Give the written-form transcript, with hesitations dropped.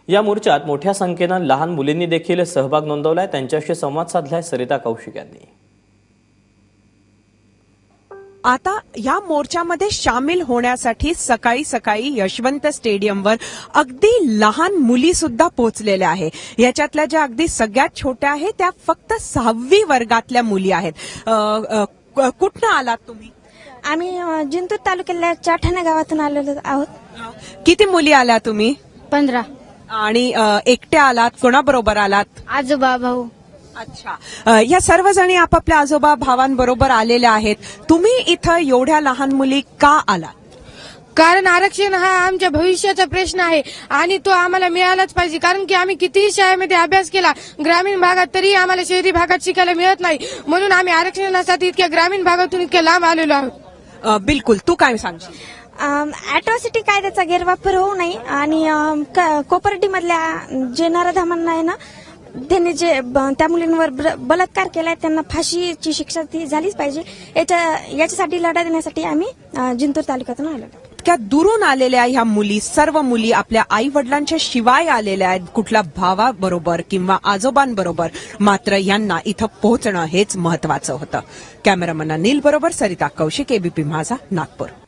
या मोर्चात मोठ्या संख्येनं लहान मुलींनी देखील सहभाग नोंदवलाय। त्यांच्याशी संवाद साधलाय सरिता कौशिक यांनी। आता या मोर्चामध्ये सामील होण्यासाठी सकाळी सकाळी यशवंत स्टेडियमवर अगदी लहान मुली सुद्धा पोहोचलेल्या आहे। याच्यातल्या ज्या अगदी सगळ्यात छोट्या आहेत त्या फक्त 6वी वर्गातल्या मुली आहेत। कुठनं आलात तुम्ही? आम्ही जिंतूर तालुक्यातल्या चाठाणा गावातून आलेलो आहोत। किती मुली आल्या तुम्ही? 15। आणि एकट्या आलात? कोणाबरोबर आलात? आजोबा भाऊ। अच्छा, या सर्वजणी आपापल्या आजोबा भावांबरोबर आलेल्या आहेत। तुम्ही इथं एवढ्या लहान मुली का आलात? कारण आरक्षण हा आमच्या भविष्याचा प्रश्न आहे आणि तो आम्हाला मिळालाच पाहिजे। कारण की आम्ही कितीही शाळेमध्ये अभ्यास केला ग्रामीण भागात तरी आम्हाला शहरी भागात शिकायला मिळत नाही, म्हणून आम्ही आरक्षणासाठी इतक्या ग्रामीण भागातून इतक्या लांब आलेलो आहोत। बिलकुल, तू काय सांगशील? अॅट्रॉसिटी कायद्याचा गैरवापर होऊ नये आणि कोपर्डी मधल्या जे नराधमांना आहे ना, त्यांनी जे त्या मुलींवर बलात्कार केलाय त्यांना फाशीची शिक्षा ती झालीच पाहिजे। याच्यासाठी लढा देण्यासाठी आम्ही जिंतूर तालुक्यातून आलेलो आहोत। इतक्या दुरून आलेल्या ह्या मुली, सर्व मुली आपल्या आई वडिलांच्या शिवाय आलेल्या आहेत, कुठल्या भावाबरोबर किंवा आजोबांबरोबर। मात्र यांना इथं पोहोचणं हेच महत्वाचं होतं। कॅमेरामन अनिल बरोबर सरिता कौशिक, एबीपी माझा, नागपूर।